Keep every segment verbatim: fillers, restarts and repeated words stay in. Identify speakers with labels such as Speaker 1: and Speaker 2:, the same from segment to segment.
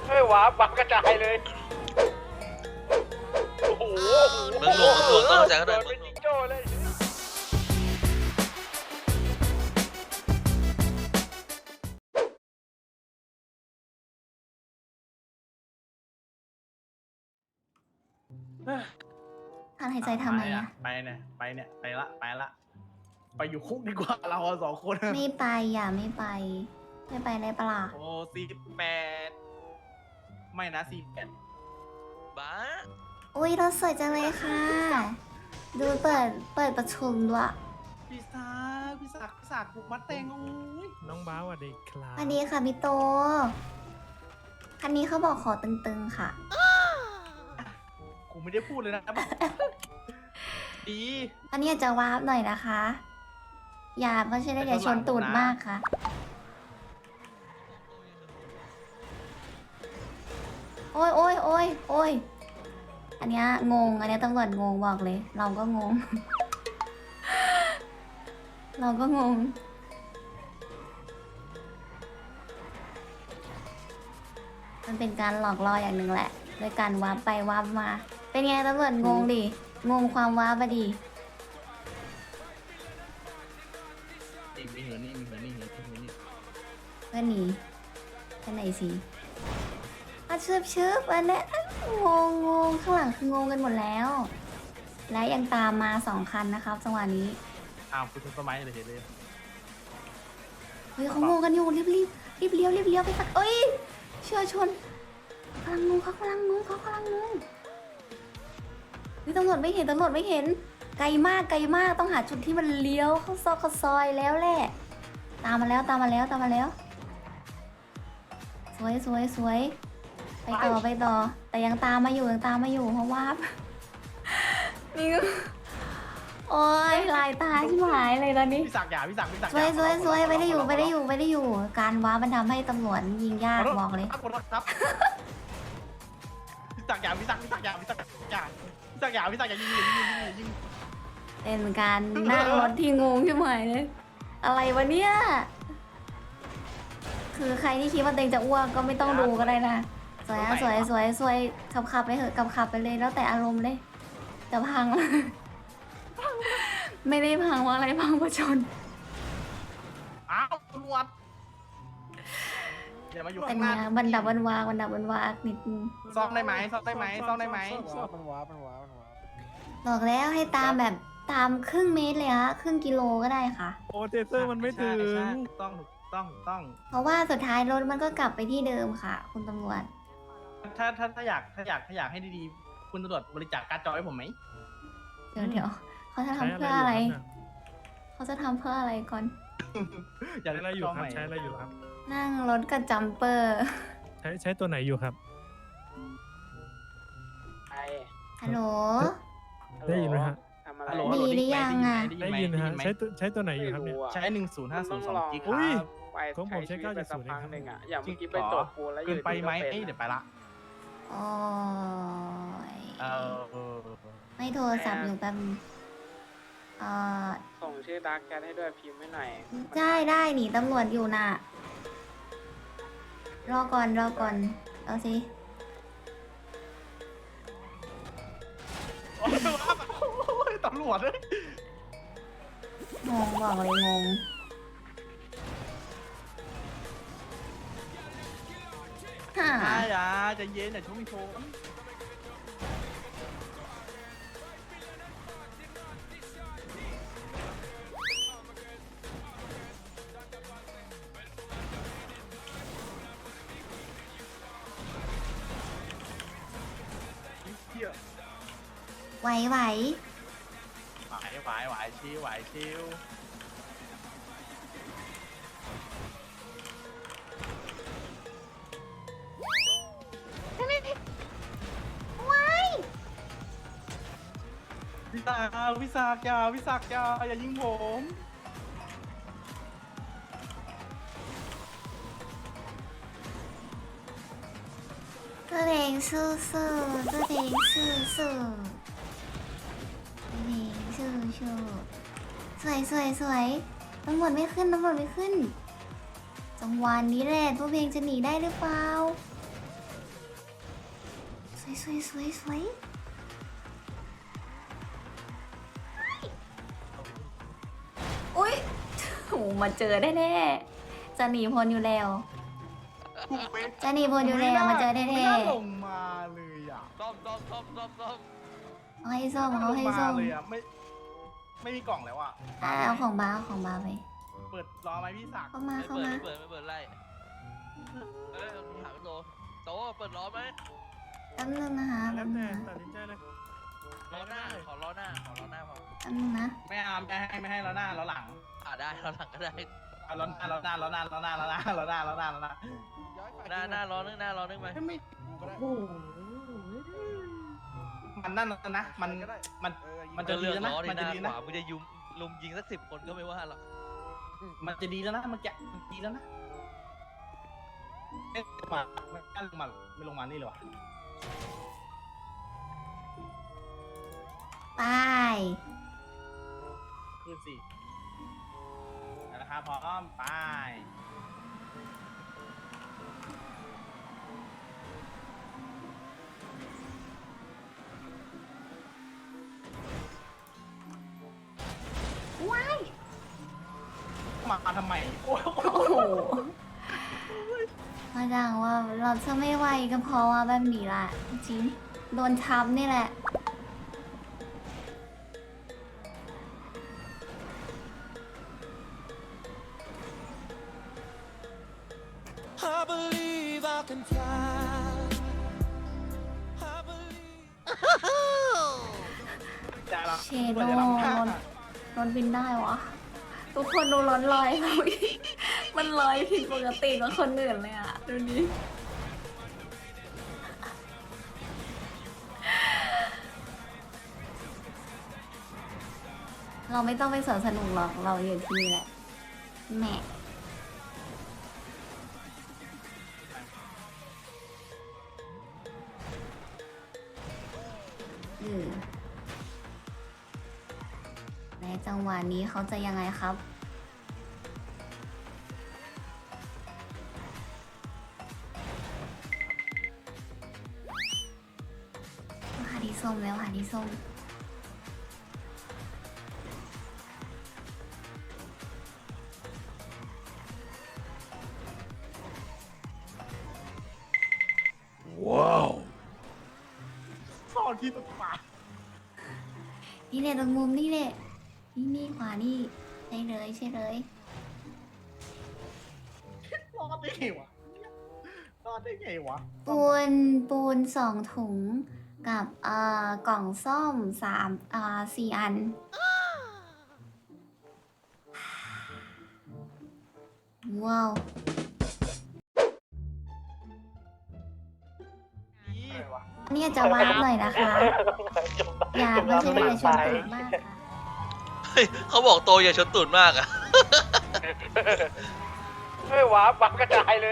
Speaker 1: เฮ้ยว้าบังกระจายเลยโอ้โห
Speaker 2: เมืองหลวงเมืองหลวงต้องเข้าใจกันหน่อย
Speaker 1: โดนเป็นจิงโจ้เลยเฮ้ย
Speaker 3: ถอนหายใจทำไมอะ
Speaker 4: ไปเนี่ยไปเนี่ยไปละไปละไปอยู่คุกดีกว่าเราอะสองคน
Speaker 3: ไม่ไปอย่าไม่ไป ไม่ไปได้ปะล่ะ
Speaker 4: โอ้สี่แปดไม่นะสี่แปด
Speaker 2: บ้า
Speaker 3: อุ้ยรถสวยจังเลยค่ะ ดูเปิดเปิดประชุมด้วย
Speaker 4: พี่ซาพี่ศักดิ์พี่ศักดิ์ปลูกมัดแตงโอ้ย
Speaker 5: น้องบ้าวสวัสดีครับ
Speaker 3: อันนี้ค่ะพี่โต คันนี้เขาบอกขอตึงๆค่ะ
Speaker 4: กูไม่ได้พูดเลยนะบอกดี
Speaker 3: อันนี้อาจจะวาร์ปหน่อยนะคะ อย่าเพราะใช่ได้เดี๋ยวชนตูดมากค่ะ โอ้ยโอ้ยโอ้ยโอ้ยอันเนี้ยงง อันเนี้ยตำรวจงงบอกเลย เราก็งง เราก็งง มันเป็นการหลอกล่ออย่างหนึ่งแหละโดยการวาร์ปไปวาร์ปมา เป็นไงตำรวจงงดิ งงความวาร์ปอะดิ
Speaker 4: นี่มีเหรอนี่มีเหรอนี่เหรอนี่เหรอนี่
Speaker 3: เพื่อนหนีไปไหนสิอาชืบชืบอันเนี้ยงงงงข้างหลังคืองงกันหมดแล้ว และยังตามมาสองคันนะครับจังหวะนี้
Speaker 4: อ้าวคุณต้นไม้เลยเห็นเลย
Speaker 3: เฮ้ยเขางงกันอยู่รีบรีบรีบเลี้ยวรีบเลี้ยวไปสักเอ้ยเชื่อชนกำลังงงเขากำลังงงเขากำลังงงเฮ้ยตำรวจไม่เห็นตำรวจไม่เห็น ไกลมากไกลมากต้องหาจุดที่มันเลี้ยวเข้าซอกเข้าซอยแล้วแหละ ตามมาแล้วตามมาแล้วตามมาแล้ว สวยสวยสวยไปต่อไปต่อ แต่ยังตามมาอยู่ยังตามมาอยู่เพราะว่า นี่ก็โอ้ยลายตาชิบหายเลยตอนนี้
Speaker 4: พี่ศักดิ์อย่าพี่ศักดิ์พี่ศักดิ์
Speaker 3: สวยสวยสวยไม่ได้อยู่ไม่ได้อยู่ไม่ได้อยู่ การว้ามันทำให้ตำรวจยิงยากบอกเลย
Speaker 4: ขอโทษครับพี่ศักดิ์อย่าพี่ศักดิ์พี่ศักดิ์อย่าพี่ศักดิ์อย่าพี่ศักดิ์อย่าพี่ศักดิ์อย่ายิงยิงยิงยิงยิง
Speaker 3: เป็นการนั่งรถที่งงชิบหายเลย อะไรวะเนี่ย คือใครที่คิดว่าตัวเองจะอ้วกก็ไม่ต้องดูก็ได้นะ สวยอะสวยสวยสวยขับขับไปเถอะขับขับไปเลยแล้วแต่อารมณ์เลยจะพัง ไม่ได้พังว่าอะไรพังเพราะชน
Speaker 4: อ้าวตำรวจอย่ามาอยู่
Speaker 3: เป็
Speaker 4: ข้าน งห
Speaker 3: ไง
Speaker 4: น้า
Speaker 3: บันดับบันวากบันดับบันวากนิดนึง
Speaker 4: ซ่อมได้ไหมซ่อมได้ไหมซ่อมได้ไหม
Speaker 5: มันว้ามันว้ามันว้า
Speaker 3: บอกแล้วให้ตามแบบตามครึ่งเมตรเลยฮะครึ่งกิโลก็ได้ค่ะ
Speaker 5: โอ้เจเซอร์มันไม่ถึง
Speaker 4: ใช่ถูกต้องถูกต้องถูกต้อง
Speaker 3: เพราะว่าสุดท้ายรถมันก็กลับไปที่เดิมค่ะ คุณตำรวจ
Speaker 4: ถ้าถ้าถ้าอยากถ้าอยากถ้าอยากให้ดีๆคุณตำรวจบริจาคการ์ดจอให้ผมไหม
Speaker 3: เดี๋ยวเดี๋ยวเขาจะ
Speaker 5: ใช้
Speaker 3: ทำเพื่ออะไร
Speaker 5: ยู่ครับ
Speaker 3: เขาจะทำเพื่ออะไรก่อน
Speaker 4: อยาก
Speaker 5: ใช้
Speaker 4: ได้
Speaker 5: อะไรอยู่
Speaker 4: จอ
Speaker 5: ครับ
Speaker 4: ใหม่
Speaker 5: ใช้อะไรอยู่ครับ
Speaker 3: นั่งรถกับจัมเปอร์
Speaker 5: ใช้ใช้ตัวไหนอยู่ครับ
Speaker 1: ไอ
Speaker 3: ฮัลโหล
Speaker 5: ได้ยินไหมฮะ
Speaker 1: ทำอะไร
Speaker 4: ฮัลโหล
Speaker 3: ดี
Speaker 4: ฮัลโหล
Speaker 3: หรือยังอะ
Speaker 5: ได้ยินนะฮะใช้ตัวใช้ตัวไหนอยู่ครับเนี่ย
Speaker 4: ใช้หนึ่งศูนย์ห้าศูนย์สองกิกค
Speaker 5: อุ้
Speaker 4: รั
Speaker 5: ย
Speaker 4: บ
Speaker 1: ไป
Speaker 5: ของผมใช้
Speaker 1: ชีวิตไปสัก
Speaker 5: เก้าเจ็ดศูนย์
Speaker 1: พัก
Speaker 5: เองครับ
Speaker 1: หนึ่งอ่ะอย่าง
Speaker 4: จริ
Speaker 1: เมื่
Speaker 4: ง
Speaker 1: อกี้ไป
Speaker 4: เหรอ
Speaker 1: ตรวจปูนแล้วอ
Speaker 4: เกิ
Speaker 1: ยู่
Speaker 4: นไปไหม
Speaker 1: ดีๆก็
Speaker 4: เอ้ย
Speaker 1: เป็น
Speaker 4: เดี๋ยวไปละ
Speaker 3: โอ้ย
Speaker 4: เออเออ
Speaker 3: ไม่โทรศัพท์อยู่แป๊บนึงเอ่อ
Speaker 1: ส่งชื่อดาร์กแคทให้ด้วยพิมพ์ให้หน่อย
Speaker 3: ได้ได้หนีตำรวจอยู่น่ะ รอก่อนรอก่อน เอาสิ
Speaker 4: โอ้ยตำรวจเลย
Speaker 3: งงบอกเลยงงฮ่า
Speaker 4: ใช่อ่ะใจะเย็นอย่าชมชม เที่ยว
Speaker 3: ไหวไหว
Speaker 4: ไหวไหวไหวชิวไหวชิว
Speaker 3: ไหว
Speaker 4: วิสาวิสากอยาวิสากอยาอย่ายิงผม
Speaker 3: ตัวเองสู้สู้ตัวเองสู้สู้ตัวเองสู้สู้สวยสวยสวยตำรวจไม่ขึ้นตำรวจไม่ขึ้นจังหวะนี้แหละตัวเพลงจะหนีได้หรือเปล่าสวยสวยสวยอุ้ยโหมาเจอได้แน่จะหนีพ้นอยู่แล้วจะหนีพ้นอยู่แล้วมาเจอได้
Speaker 4: ไม่
Speaker 3: แน่
Speaker 4: น่าลงมาเลยอ่ะ
Speaker 2: ซ่อมซ่อมซ่อมซ่อมซ่อม
Speaker 3: เอาให้ส้ม
Speaker 4: ไม่น่
Speaker 3: เอาให้
Speaker 4: ลง
Speaker 3: ส้
Speaker 4: มาม เลยอ่ะไม่ไม่มีกล่องแล้วอ่ะ
Speaker 3: อ่ะเอาของบ้าเอาของบ้าไป
Speaker 4: เปิดรอไหมพี่ศักดิ์
Speaker 3: เข้ามา
Speaker 2: ไม่
Speaker 3: เข้า
Speaker 2: เปิด
Speaker 3: มา
Speaker 2: ไม่เปิดไม่เปิดไล่เอ้ยถามโตโตเปิดล้อไหม
Speaker 3: แป๊บนึงนะคะ
Speaker 5: แล้
Speaker 3: แป๊
Speaker 5: ว
Speaker 3: บนึ
Speaker 5: แต่
Speaker 3: งนะ
Speaker 5: ตัดสินใจเลย
Speaker 2: ล้อหน้าขอล้อหน้าขอล้อหน้าพอ
Speaker 3: แป๊บนึงนะ
Speaker 4: ไม่เอาไม่ให้ไม่ให้แล้วหน้าแล้วหลัง
Speaker 2: อ่าได้ล้อหลังก็ได้
Speaker 4: เอาแล้วหน้าแล้วหน้าแล้วหน้าแล้วหน้าแล้วหน้าแล้วหน้าแล้วหน้าแล้วหน้า
Speaker 2: หน้าหน้าล้อนึงหน้าล้อนึงไหม
Speaker 4: ไม่โอ้โหมันนั่นนะมันมันมันจะ
Speaker 2: ก็
Speaker 4: ดี
Speaker 2: เลือก
Speaker 4: แล้วนะ
Speaker 2: ล้อที่
Speaker 4: มัน
Speaker 2: ห
Speaker 4: จะ
Speaker 2: น้า
Speaker 4: ดี
Speaker 2: ข
Speaker 4: นะ
Speaker 2: วามึงจะยุมลุมยิงสักสิบคนก็ไม่ว่าหรอก
Speaker 4: มันจะดีแล้วนะมันจะดีแล้วนะเอ๊ะมาไม่กล้าลงมาไม่ลงมานี่เลยวะ
Speaker 3: ไป
Speaker 4: คืนสินะครับพร้อมไป
Speaker 3: ว้าย
Speaker 4: มาทำไมโอ้โห
Speaker 3: โอ้โหมาดังว่าเราจะไม่ไหวก็เพราะว่าแบบนี้ล่ะจริงๆโดนทับนี่แหละ
Speaker 6: I believe I can fly. I believe.
Speaker 4: จะรับ
Speaker 3: เชโด
Speaker 4: จะรับผ้า
Speaker 3: ร้อนบินได้วะ ทุกคนดูร้อนลอยเราอีกมันลอยผิดปกติกว่าคนอื่นเลยอ่ะ ดูนี้เราไม่ต้องไปสวนสนุกหรอกเราอยู่ที่นี่แหละแหม่เออในจังหวะนี้เขาจะยังไงครับ หาที่ส้มแล้วหาที่ส้ม
Speaker 4: ซ่อนที่ตกปลา
Speaker 3: นี่แหละตรงมุมนี่แหละ นี่นี่ขวานี่ใช่เลยใช่เลย
Speaker 4: รอดได้ไงวะรอดได้ไงวะ
Speaker 3: ปูนปูนสองถุงกับเอ่อกล่องส้มสามเอ่อสี่อัน ว้าว เนี่ยจะวาร์ปหน่อยนะคะ อย่าไม่ใช่อย่าชนตูดมากค่ะ
Speaker 2: เฮ้ยเขาบอกโตอย่าชนตูดมากอ่ะ
Speaker 1: เฮ้ยว้าบังกระจายเลย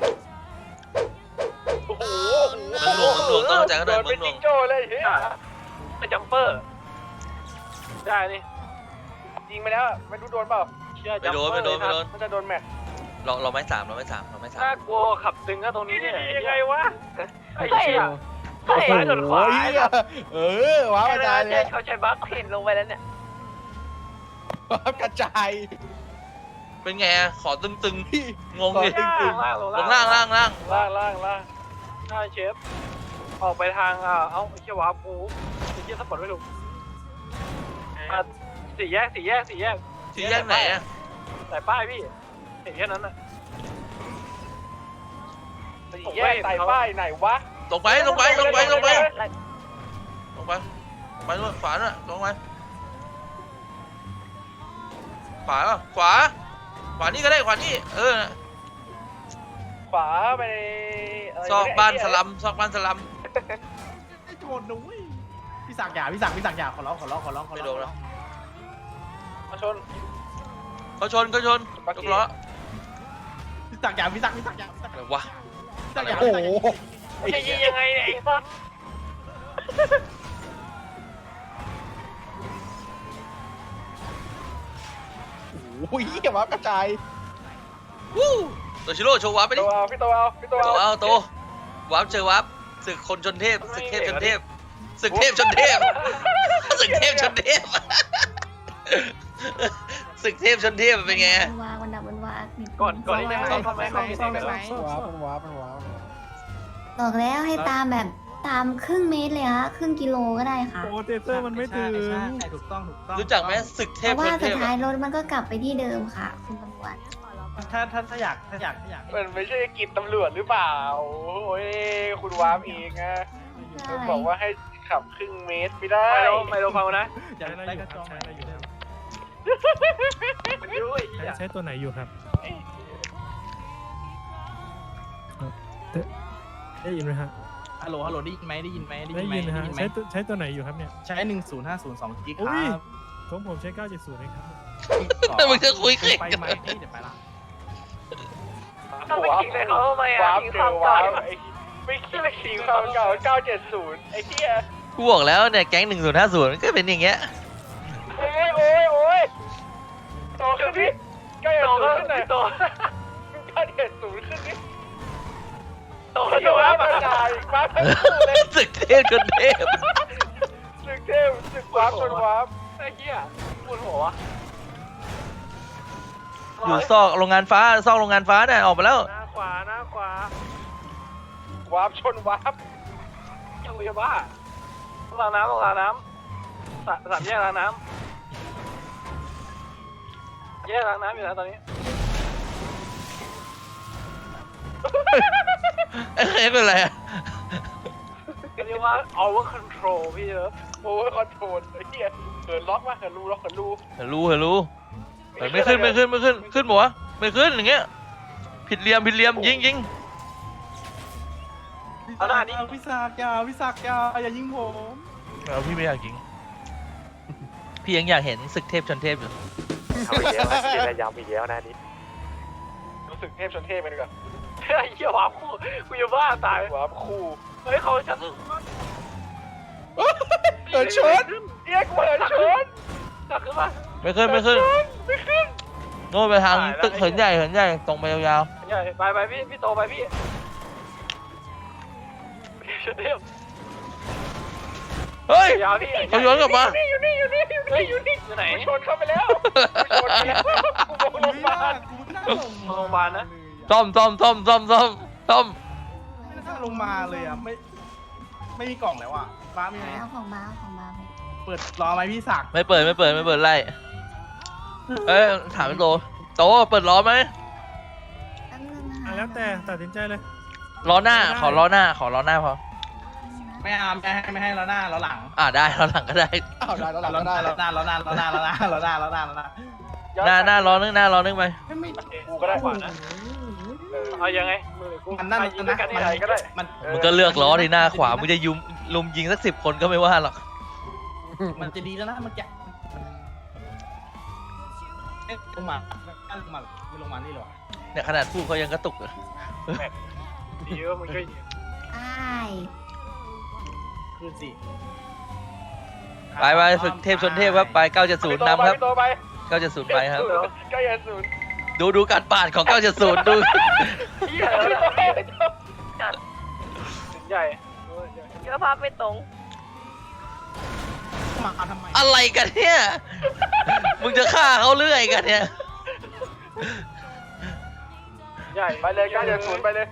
Speaker 1: โอ้โห
Speaker 2: เมืองหลวงเมืองหลวงต้องเข้าใจกันหน่อย
Speaker 1: โดน
Speaker 2: เมื
Speaker 1: เป็
Speaker 2: อน งหลว
Speaker 1: จิ
Speaker 2: ง
Speaker 1: งโจ้เลยเฮ้ยเป็นจัมเปอร์ ได้นี่ยิงไปแล้วไม่รู้โดนเปล่าเชื่อ
Speaker 2: ไม่โดนไม่โดนไม่โดน
Speaker 1: มันจะโดนแม็ก
Speaker 2: เราเราไม่สามเราไม่สามเราไม่สาม
Speaker 1: น่ากลัวขับตึงก็ตรงนี้เนี่ยยังไงวะไอ้เหี้ยโดนซ้ายโดนขวา
Speaker 4: เออว้าวกระจายเลย
Speaker 1: เขาใช้บัคพินลงไปแล้วเนี่ย
Speaker 4: ว้าวกระจาย
Speaker 2: เป็นไงอะขอตึงตึงๆงงดิ
Speaker 1: ล่าง
Speaker 2: ลงล่างล่างล่าง
Speaker 1: ล่างล่างล่างใช่เชฟ ออกไปทางอ่าเอ้าไอ้เชี่ยวาปูไอ้เชี่ยสปอร์ตไม่ถูกอ่ะสี่แยกสี่แยกสี่แยก
Speaker 2: ที่แยกไหนอะ
Speaker 1: แต่ป้ายพี่เห็นแค่นั้นน่ะสี่แยกใส่ป้ายไหนวะ
Speaker 2: ลงไปลงไปลงไปลงไปลงไปลงไปนู่นขวาน่ะลงไปขวาป่ะขวาขวานี่ก็ได้ขวานี่เออ
Speaker 1: ขวาไปะไร
Speaker 2: ซอกบ้านสลัมซอกบ้านสลัม
Speaker 4: ไอ้โจรนุ้ยพี่ศักดิ์อย่าพี่ศักดิ์พี่ศักดิ์อย่าขอร้องขอร้องขอร้องขอ
Speaker 2: ไม่
Speaker 4: ร้
Speaker 2: โด
Speaker 4: อง
Speaker 2: นแล้ว
Speaker 1: มาชน
Speaker 2: เขาชนเขาชนยกล้อ
Speaker 4: พี่ศักดิ์อย่าพี่ศักดิ์พี่ศักดิ์อย่าพี่ศักดิ์
Speaker 2: อะไรวะ
Speaker 4: พี่ศักดิ์อย่า
Speaker 2: โอ้โห
Speaker 1: จะยิงยังไงเนี่ยไอ้สัส
Speaker 4: โอ้ยอย่าว้าวกระจาย
Speaker 2: วู้ตัวชิโร่โชว์วาร์ปไป
Speaker 1: โต
Speaker 2: ดิ
Speaker 1: เอาพี่โตเอาพี่โต
Speaker 2: โต
Speaker 1: เอา
Speaker 2: เอาโตวาร์ปเจอวาร์ปศึกคนชนเทพศึกเทพชนเทพศึกเทพชนเทพศึกเทพชนเทพศึกเทพชนเทพเป็นไง
Speaker 3: มันวางมันดับมันวาง
Speaker 1: ก่อนก่อนที่จะเข้าทำไมเขามีเซ็กกัน
Speaker 7: ว้าวมันว้าวมันว้าว
Speaker 3: บอกแล้วให้ตามแบบตามครึ่งเมตรเลยฮะครึ่งกิโลก็ได้ค่ะ
Speaker 5: โอ้เทเซอร์มันไม่ถึง
Speaker 4: ใช่ใช่ถูกต้องถูกต้อง
Speaker 2: รู้จักไหมศึกเท
Speaker 3: เพ
Speaker 2: พ
Speaker 3: ราะ
Speaker 2: ช
Speaker 3: ว่าน
Speaker 2: เท
Speaker 3: สุด
Speaker 2: พ
Speaker 3: ท้ายรถมันก็กลับไปที่เดิมค่ะ คุณตำรวจ
Speaker 4: ถ้าถ้าถ้าอยากถ้าอยากถ้าอยาก
Speaker 1: มันไม่ใช่กิจตำรวจหรือเปล่าโอ้ยคุณวามเองอะเขาบอกว่าให้ขับครึ่งเมตรไม่ได้ไม่รู้ไม่รู้ฟังนะ
Speaker 4: อยาก
Speaker 5: ใช้อะไร
Speaker 4: ได้
Speaker 5: อก ยู่
Speaker 4: ระ
Speaker 5: ค
Speaker 4: จ
Speaker 5: รับ
Speaker 4: อง
Speaker 5: ใช้อะไรอยู่ครับ
Speaker 1: มันยุ่ย
Speaker 5: ใช้ใช้ตัวไหนอยู่ครับได้ได้ยินไหมฮะ
Speaker 4: ฮัลโหลฮัลโหลได้ยินไหมได้ยินไหมได้
Speaker 5: ได้
Speaker 4: ยินไหม
Speaker 5: ยินนะฮะ
Speaker 4: ได้ยินไหม
Speaker 5: ใช้ตัวใช้ตัวไหนอยู่ครับเนี่ย
Speaker 4: ใช้หนึ่งศูนย์ห้าศูนย์สองกิกค
Speaker 5: อุ้
Speaker 4: รั
Speaker 5: ย
Speaker 4: บ
Speaker 5: ของผมใช้เก้าเจ็ดศูนย์เองครับ
Speaker 2: แต่มึงจะคุย
Speaker 4: เกิ
Speaker 2: เก่
Speaker 4: นไป
Speaker 2: ง
Speaker 4: ไหมพี่เดี๋ยวไปละ
Speaker 1: ทำไมขิงเลยเขาทำไมอ่ะขิงความเก่าไม่คิดเลยขิงความเก่าเก้าเจ็ดศูนย์ไอ้เหี้ย
Speaker 2: กูบอกแล้วเนี่ยแก๊งหนึ่งศูนย์ห้าศูนย์ก็เป็นอย่างเงี้ย
Speaker 1: โอ้ยโอ้ยโอ้ยโตขึ้นดิเก้าเจ็ดศูนย์ขึ้นหน่อยโตเก้าเจ็ดศูนย์ขึ้นดิโตขึ้นมาบรรดาอีกบ้างทั้งคู่เลย
Speaker 2: ศึกเทพชนเทพ
Speaker 1: สึกเทพสึกวาร์ปจนวาร์ปไอ้เหี้ยปวดหัว
Speaker 2: อยู่ซอกโรงงานฟ้าซอกโรงงานฟ้าเนี่ยออกมาแล้ว
Speaker 1: หน้าขวาหน้าขวาวาร์ปชนวาร์ปยังไม่บ้าต้องล้างน้ำต้องล้างน้ำสาสามแยกล้างน้ำแยกล้างน้ำอยู่นะตอนนี้
Speaker 2: เอ้ยเป็นไรอะ
Speaker 1: เรียกว่า over control พี่เลิฟ over control ไอ้เหี้ยเหินล็อกมาเหินรูล็อกเหินรู
Speaker 2: เห็นรู้เห็นรู้แต่ไม่ขึ้นไม่ขึ้นไม่ขึ้นขึ้นหมวะไม่ขึ้นอย่างเงี้ยผิดเหลี่ยมผิดเหลี่ยมยิงยิง
Speaker 1: เอาหน้านี้
Speaker 4: พี่ศักดิ์อย่าพี่ศักดิ์อย่าอย่ายิงผม
Speaker 2: เอาพี่ไม่อยากยิงพี่ยังอยากเห็นศึกเทพชนเทพอยู่
Speaker 1: เอาอีกแล้วนะจะย้ำอีกแล้วนะนี่รู้สึกเทพชนเทพไปดีกว่าไอ้เหี้ยวาร์ปคู่กูจะบ้าตายวาร์ปคู่เฮ้ยเขาชัดสุดเหินชนเอี้ยกูเหินชนจักขึ้นมา
Speaker 2: ไม่ขึ้นไม่ขึ้น
Speaker 1: ไม่ขึ้น
Speaker 2: โน่นไปทางตึกเหินใหญ่เหินใหญ่ตรงไปยาว
Speaker 1: ใหญ่ไปไปพี่พี่โตไปพี่ชนเทพ
Speaker 2: ๆเฮ้ย
Speaker 1: ยาวพี่
Speaker 2: เขาย้อนกลับมา
Speaker 1: อยู่นี่อยู่นี่อยู่นี่อยู่นี่อยู่ไหนชนเข้าไปแล้วชนไปแล้วกูบอกโรงพยาบาล
Speaker 4: กูไม่น่าลง
Speaker 1: โรงพยาบาลนะ
Speaker 2: ซ่อมซ่อมซ่อมซ่อมซ่อมซ่อม
Speaker 4: ไม่น่าลงมาเลยอ่ะไม่ไม่มีกล่องแล้วอ่ะฟ้ามีไหม
Speaker 3: เอาของมาเอาของมาไป
Speaker 4: เปิดรอไหมพี่ศักดิ์
Speaker 2: ไม่เปิดไม่เปิดไม่เปิดไล่เอ้ยถามโตโตเปิดล้อไหม
Speaker 3: แป๊บนึงนะ
Speaker 5: อ่ะ
Speaker 3: คะ
Speaker 5: แล้วแต่ตัดสินใจเลย
Speaker 2: ล้อหน้าขอล้อหน้าขอล้อหน้าพอ
Speaker 4: ไม่เอาไม่ให้ไม่ให้แล้วหน้าแล้วหลัง
Speaker 2: อ่าได้ล้อหลังก็ได้
Speaker 7: อ้าวได้แล้วหลัง
Speaker 4: แล้ว
Speaker 7: ก็
Speaker 4: หน้า
Speaker 7: ได้
Speaker 4: แล้วหน้าแล้วหน้าแล้วหน้าแล้วหน้าแล้วหน้าแล้วหน้าแล้วหน้า
Speaker 2: หน้าหน้าล้อนึงหน้าล้อนึงไป
Speaker 4: ไม่ไม่
Speaker 1: กูก็ได้ขวานะเอายังไงมือกู
Speaker 4: มันนั่น
Speaker 1: ยิง
Speaker 4: นะ
Speaker 1: กันที่ไหนก็ได้
Speaker 4: มัน
Speaker 2: มึงก็เลือกล้อที่หน้าขวามึงจะยุมลุมยิงสักสิบคนก็ไม่ว่าหรอก
Speaker 4: มันจะดีแล้วนะเมื่อกี้เอ๊ะลงมาลงมาไม่ลงมานี่หรอ
Speaker 2: เนี่ยขนาดพูดเขายังกระตุกเลย
Speaker 1: ดีว่ามึงก็
Speaker 3: อ้าย
Speaker 4: คือสิ
Speaker 2: ไปไปฝึกเทพชนเทพครับไปเก้าเจ็ดศูนย์นำครับ
Speaker 1: โตไป
Speaker 2: เก้าเจ็ดศูนย์ไปครับ
Speaker 1: เก้าเจ็ดศูนย์
Speaker 2: ดูดูการปาดของเก้าเจ็ดศูนย์ดู
Speaker 1: เหี้ยใหญ่
Speaker 8: เชื้อภาพไม่ตรง
Speaker 4: มาทำไม
Speaker 2: อะไรกันเนี่ย มึงจะฆ่าเขาเรื่อยกันเนี่ย
Speaker 1: ใหญ่ไปเลยเก้าเจ็ดศูนย์ไปเลย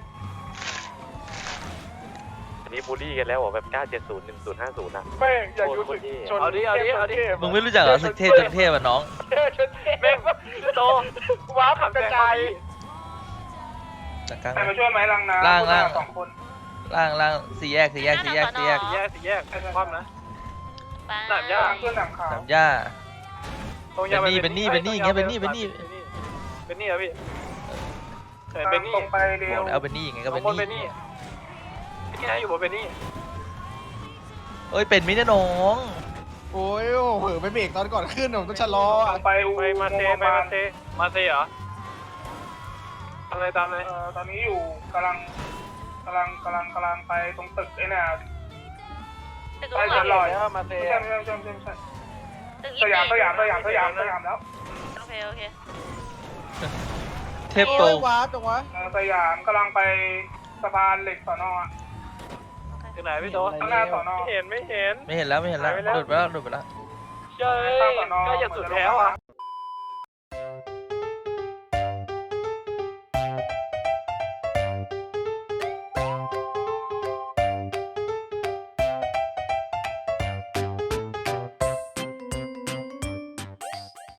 Speaker 9: อันนี้บูลลี่กันแล้วเหรอแบบเก้าเจ็ดศูนย์ หนึ่งศูนย์ห้าศูนย์นะ
Speaker 1: แม่งอยากรู้สึกชน
Speaker 8: เอาดิเอาดิเอาดิ
Speaker 2: มึงไม่รู้จักเหรอศึกเทพชนเทพอ่ะน้อง
Speaker 1: เทพชนเทพแม่งโตว้าวขับกระจาย
Speaker 2: จากกลาง
Speaker 1: ใครมาช่วยไหมลังน้ำ
Speaker 2: ล่างล่าง
Speaker 1: สองคน
Speaker 2: ล่างล่างสี่แยกสี่แยกสี่แยกสี่แยก
Speaker 1: สี่แยกสี่แยกคว่ำนะ
Speaker 8: ไป
Speaker 1: สามย่างเพื่อนหลังขาว
Speaker 2: สามย่า
Speaker 1: ตรงยาว
Speaker 2: เป็นนี่เป็นนี่อย่างเงี้ยเป็นนี่เป็นนี่
Speaker 1: เป็นนี่เหรอพี่เห็นเป็นนี่ตรงไปเร็
Speaker 2: บ
Speaker 1: ว
Speaker 2: อกแล้วเป็นนี่ยังไงก็เป็น
Speaker 1: บนเป็น
Speaker 2: นี่
Speaker 1: นี่ที่ไหนอยู่บนเป็นนี่
Speaker 2: เอ้ยเป็นมินะน้อง
Speaker 7: โอ้ยโอ้โหไปเบรกตอนก่อนขึ้นผมต้องชะลอ
Speaker 1: ไปไปมาเซไปมาเซมาเซเหรออะไรตามเลย
Speaker 10: เอ่อตอนนี้อยู่กำลังกำลังกำลังกำลังไปตรงตึกไอ้น่ะ
Speaker 8: ตึก
Speaker 10: ไป
Speaker 8: ล
Speaker 10: จะ
Speaker 8: ง
Speaker 10: ล
Speaker 8: มา
Speaker 10: อย
Speaker 1: มาเซ
Speaker 10: ไม่ใช่ไม่ใช่ไม่ใช่ไม่ใช่
Speaker 8: ตึก
Speaker 10: สยามสยามสยามสยามสยามแล้ว
Speaker 8: โอเคโอเค
Speaker 2: เทพโต
Speaker 7: โอ้ยวาร์ปจังวะ
Speaker 10: เอ่อสยามกำลังไปสะพานเหล็กสอนออะ
Speaker 8: โอเค
Speaker 1: ที่ไหนพี่โต
Speaker 10: ข้างหน้าสอนอ
Speaker 1: ไม่เห็นไม่เห็น
Speaker 2: ไม่เห็นแล้วไม่เห็นแล้ว
Speaker 1: หายไปแล้ว
Speaker 2: หลุดไปแล้วหลุดไปแล้ว
Speaker 1: เจ้ยใกล้จะสุดแล้วอ่ะ